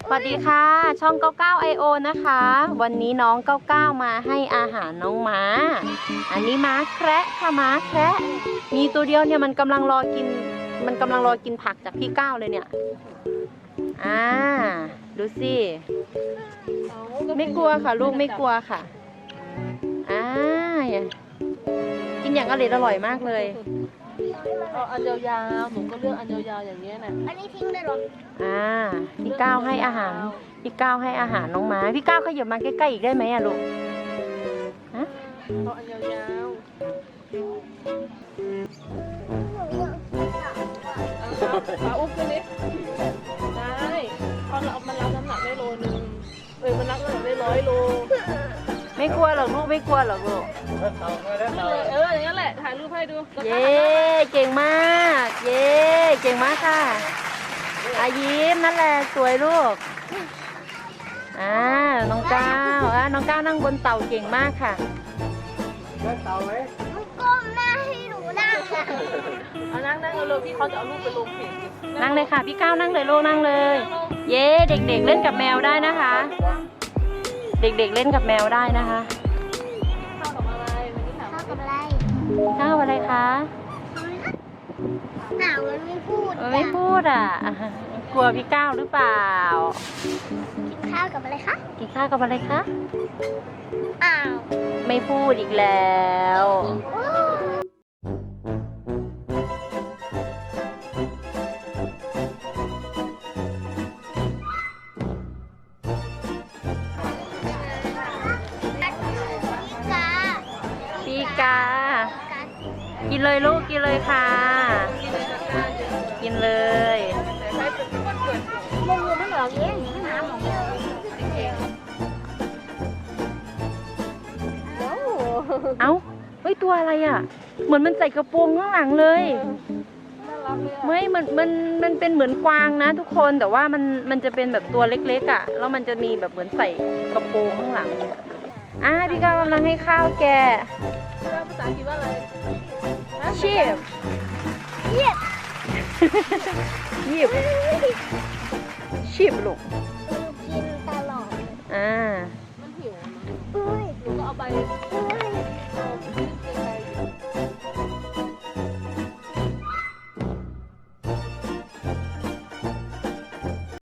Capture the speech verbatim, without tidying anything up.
สวัสดีค่ะช่องเก้าเก้า ไอ โอ นะคะวันนี้น้องเก้าเก้ามาให้อาหารน้องม้าอันนี้ม้าแคระค่ะม้าแคระมีตัวเดียวเนี่ยมันกำลังรอกินมันกำลังรอกินผักจากพี่เก้าเลยเนี่ยอ่าดูสิไม่กลัวค่ะลูกไม่กลัวค่ะอ่ากินอย่างอร่อยอร่อยมากเลยเอาอันยาวๆหนูก็เลือกอันยาวๆอย่างเงี้ยน่ะอันนี้ทิ้งได้หรออ่าพี่ก้าวให้อาหารพี่ก้าวให้อาหารน้องม้าพี่ก้าวขยับมาใกล้ๆอีกได้ไหมอะลูกฮะเอาอันยาวๆปลาอุ้มขึ้นนิดได้พอเราเอามันรับน้ำหนักได้โลนึงเอ้ยมันรับน้ำหนักได้ร้อยโลไม่กลัวหรอกลูกไม่กลัวหรอกลูกเอออย่างนั้นแหละถ่ายรูปให้ดูเย้เก่งมากเย้เก่งมากค่ะอายิ้มนั่นแหละสวยลูกอ่าน้องก้าวอ่าน้องก้าวนั่งบนเต่าเก่งมากค่ะมันก้มหน้าให้หนูนั่งค่ะเอานั่งนั่งเอาเลยพี่เขาจะเอารูปไปลงเพจนั่งเลยค่ะพี่ก้าวนั่งเลยลูกนั่งเลยเย้เด็กๆเล่นกับแมวได้นะคะเด็กๆเล่นกับแมวได้นะคะข้าวกับอะไรวันนี้ถามข้าวกับอะไรข้าวอะไรคะหนาวมันไม่พูดมันไม่พูดอ่ะกลัวพี่ก้าวหรือเปล่ากินข้าวกับอะไรคะกินข้าวกับอะไรคะอ้าวไม่พูดอีกแล้วปีกากินเลยลูกกินเลยค่ะกินเลยมึงไม่เหลือเองน้ำของเอ้าเฮ้ยตัวอะไรอ่ะเหมือนมันใส่กระโปรงข้างหลังเลยไม่มันมันมันเป็นเหมือนกวางนะทุกคนแต่ว่ามันมันจะเป็นแบบตัวเล็กๆอ่ะแล้วมันจะมีแบบเหมือนใส่กระโปรงข้างหลังอ่ะพี่ก้าวกำลังให้ข้าวแกภาษาอังกฤษว่าอะไรชีพเยียบยีบชีพลูก